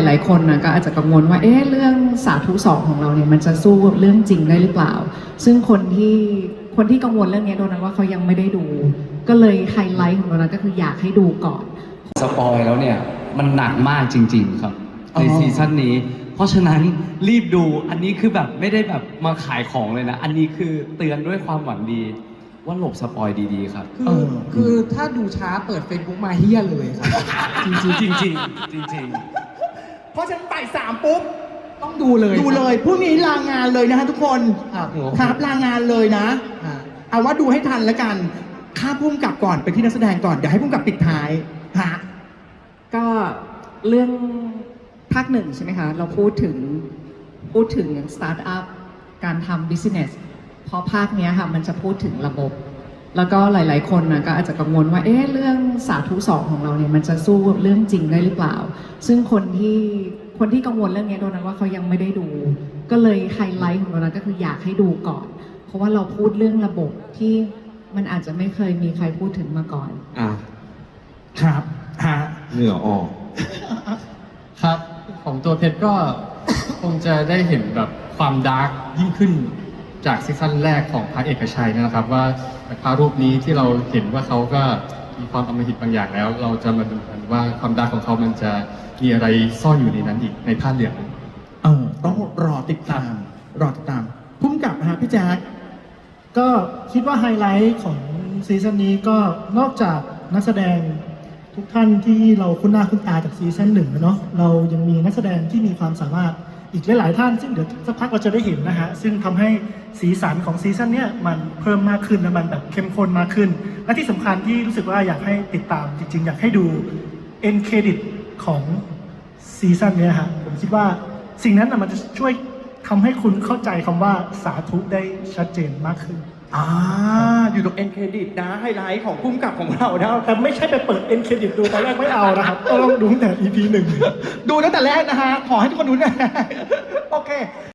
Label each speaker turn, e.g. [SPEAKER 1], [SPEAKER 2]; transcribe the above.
[SPEAKER 1] ลายๆคนนะก็อาจจะกังวลว่าเรื่องสาธุสองของเราเนี่ยมันจะสู้เรื่องจริงได้หรือเปล่าซึ่งคนที่กังวลเรื่องนี้โดนัทว่าเขายังไม่ได้ดูก็เลยไฮไลท์ของโดนัทก็คืออยากให้ดูก่อน
[SPEAKER 2] สปอยแล้วเนี่ยมันหนักมากจริงๆครับในซีซั่นนี้เพราะฉะนั้นรีบดูอันนี้คือแบบไม่ได้แบบมาขายของเลยนะอันนี้คือเตือนด้วยความหวังดีว่าหลบสปอยดีๆครับ
[SPEAKER 3] คือถ้าดูช้าเปิด Facebook มาเฮี้ยเลยครับ
[SPEAKER 2] จริงๆจริง
[SPEAKER 4] เพราะฉะนั้นบ่ายสามปุ๊บ
[SPEAKER 3] ต้องดูเลย
[SPEAKER 4] ดูเลยพรุ่งนี้ลางานเลยนะฮะทุกคน
[SPEAKER 3] ครับ
[SPEAKER 4] ครับลางานเลยนะ
[SPEAKER 3] อ่า
[SPEAKER 4] เอาว่าดูให้ทันแล้วกันข้าพุ่มกับก่อนไปที่นักแสดงก่อนเดี๋ยวให้พุ่มกับปิดท้ายฮะ
[SPEAKER 1] ก็เรื่องภาคหนึ่งใช่ไหมคะเราพูดถึงสตาร์ทอัพการทำบิสเนสเพราะภาคนี้ค่ะมันจะพูดถึงระบบ แล้วก็หลายๆคนนะก็อาจจะกังวลว่าเรื่องสาธุสองของเราเนี่ยมันจะสู้เรื่องจริงได้หรือเปล่าซึ่งคนที่กังวลเรื่องนี้โดนัทว่าเขายังไม่ได้ดูก็เลยไฮไลท์ของโดนัทก็คืออยากให้ดูก่อนเพราะว่าเราพูดเรื่องระบบที่มันอาจจะไม่เคยมีใครพูดถึงมาก่อน
[SPEAKER 4] ครับฮะ
[SPEAKER 5] เหงื่อออก
[SPEAKER 6] ครับของตัวเพชรก็ คงจะได้เห็นแบบความดาร์กยิ่งขึ้นจากซีซั่นแรกของพระเอกชัยนะครับว่าพระรูปนี้ที่เราเห็นว่าเขาก็มีความอำมหิตบางอย่างแล้ว เราจะมาดูกันว่าความดาร์กของเขามันจะมีอะไรซ่อนอยู่ในนั้นอีกในผ้าเหลือง
[SPEAKER 4] ต้องรอติดตามพุ่มกับฮะพี่แจ๊ค
[SPEAKER 7] ก็คิดว่าไฮไลท์ของซีซั่นนี้ก็นอกจากนักแสดงทุกท่านที่เราคุ้นหน้าคุ้นตาจากซีซั่นหนึ่งเนาะเรายังมีนักแสดงที่มีความสามารถอีกหลายๆท่านซึ่งเดี๋ยวสักพักเราจะได้เห็นนะฮะซึ่งทำให้สีสันของซีซั่นเนี้ยมันเพิ่มมากขึ้นและมันแบบเข้มข้นมากขึ้นและที่สำคัญที่รู้สึกว่าอยากให้ติดตามจริงๆอยากให้ดูเอ็นเครดิตของซีซั่นเนี้ยฮะผมคิดว่าสิ่งนั้นมันจะช่วยทำให้คุณเข้าใจคำว่าสาธุได้ชัดเจนมากขึ้น
[SPEAKER 4] อยู่ตรงเอ็นเครดิตนะไฮไลท์ของพุ่มกับของเรานะ
[SPEAKER 7] แต่ไม่ใช่ไปเปิดเอ็นเครดิตดูตอนแรกไม่เอานะครับต้องดูตั้งแต่ EP 1
[SPEAKER 4] ดูตั้งแต่แรกนะฮะขอให้ทุกคนดูนะโอเค